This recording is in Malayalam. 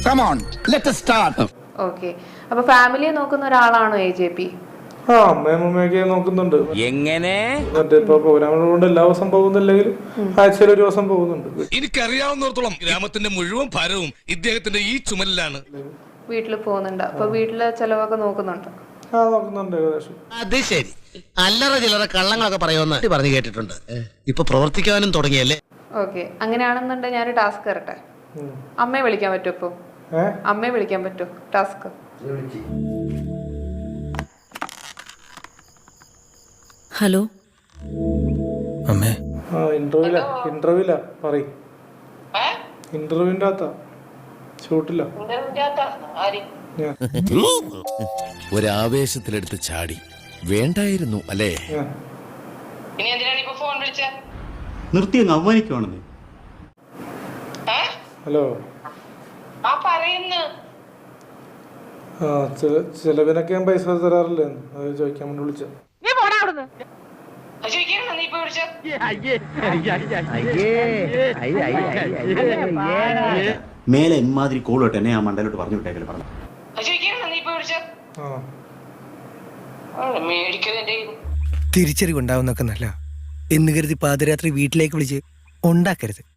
Come on, let us start. Okay, അപ്പൊ ഫാമിലിയെ നോക്കുന്ന ഒരാളാണോ AJP? ആ അമ്മയും അമ്മയൊക്കെ നോക്കുന്നുണ്ട്. എങ്ങനെ മറ്റേ ഇപ്പൊ പ്രോഗ്രാമുകൾ കൊണ്ട് എല്ലാ ദിവസം പോകുന്നില്ലെങ്കിലും ആഴ്ചയിൽ ഒരു ദിവസം പോകുന്നുണ്ട്. എനിക്കറിയാവുന്നിടത്തോളം ഗ്രാമത്തിന്റെ മുഴുവൻ ഭാരവും ഇദ്ദേഹത്തിന്റെ ഈ ചുമലിലാണ്. വീട്ടിൽ പോകുന്നുണ്ട്, അപ്പൊ വീട്ടിലെ ചെലവൊക്കെ നോക്കുന്നുണ്ട്. ആ നോക്കുന്നുണ്ട് ഏകദേശം. അത് ശരി. അല്ലറ ചില്ലറ കള്ളങ്ങളൊക്കെ പറയുമെന്ന് പറഞ്ഞു കേട്ടിട്ടുണ്ട്. ഇപ്പൊ പ്രവർത്തിക്കാനും തുടങ്ങിയല്ലേ? ഓക്കെ, അങ്ങനെയാണെന്നുണ്ടെങ്കിൽ ഞാനൊരു ടാസ്ക് തരട്ടെ. അമ്മയെ വിളിക്കാൻ പറ്റുമോ ഇപ്പൊ? അമ്മയെ വിളിക്കാൻ പറ്റുമോ? ടാസ്ക്. ഹലോ അമ്മേ. ആ ഇന്റർവ്യൂല പറയും. ഇന്റർവ്യൂവിന്റെ അകത്താ, ഷൂട്ടില്ല. ഒരാവേശത്തിലെടുത്ത് ചാടി വേണ്ടായിരുന്നു അല്ലേ? നിർത്തി അങ്ങ് അവമാനിക്കുവാണെന്ന്. ഹലോ. ആ ചെലവിനൊക്കെ ഞാൻ പൈസ തരാറില്ലേ, അത് ചോദിക്കാൻ വേണ്ടി വിളിച്ച. മേലെ ഇമാതിരി കോളോട്ട് എന്നെ ആ മണ്ടലോട്ട് പറഞ്ഞു വിട്ടേക്കല്ലേ പറഞ്ഞു. തിരിച്ചറിവുണ്ടാവുന്നൊക്കെ നല്ല എന്ന് കരുതി പാതിരാത്രി വീട്ടിലേക്ക് വിളിച്ച് ഉണ്ടാക്കരുത്.